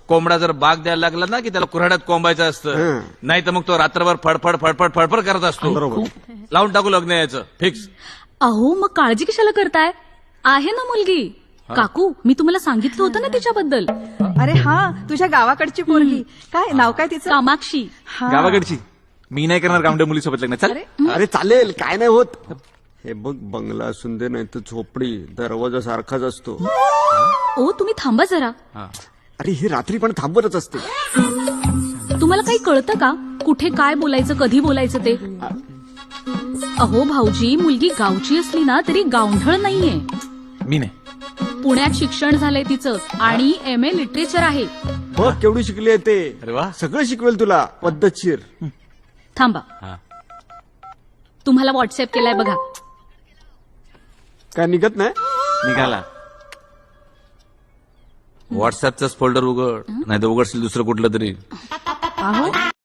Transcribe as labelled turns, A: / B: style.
A: कोंबडा जर बाग द्यायला लागला ना की त्याला कुऱ्हाड्यात कोंबायचं असतं, नाही तर मग तो रात्रभर फडफड फडफड फडफड करत असतो. लावून टाकू लग्न यायचं फिक्स.
B: अहो मग काळजी कशाला करताय? आहे ना मुलगी. काकू मी तुम्हाला सांगितलं होतं ना तिच्याबद्दल.
C: अरे हा, तुझ्या गावाकडची पोरगी. काय नाव काय तिचं?
B: कामाक्षी.
C: हा.
D: गावाकडची. मी नाही करणार गावंड्या मुलीसोबत लग्न. चल.
E: अरे चालेल, काय नाही होत. हे बघ, बंगला असून दे नाही तर झोपडी, दरवाजा सारखाच असतो.
B: ओ तुम्ही थांबा जरा.
E: अरे ही रात्री पण थांबवतच असते.
B: तुम्हाला काही कळतं का कुठे काय बोलायचं, कधी बोलायचं ते? अहो भाऊजी, मुलगी गावची असली ना तरी गावढळ नाहीये.
D: मी नाही.
B: पुण्यात शिक्षण झालंय तिचं आणि MA लिटरेचर आहे.
E: बघ केवढी शिकली आहे ते.
D: अरे वा.
E: सगळं शिकवेल तुला पद्धतशीर.
B: थांबा, तुम्हाला व्हॉट्सअप केलाय बघा.
E: काय निघत नाही?
D: निघाला.
A: व्हॉट्सअपचाच फोल्डर उघड, नाही तर उघडशील दुसरं कुठलं तरी.
C: अहो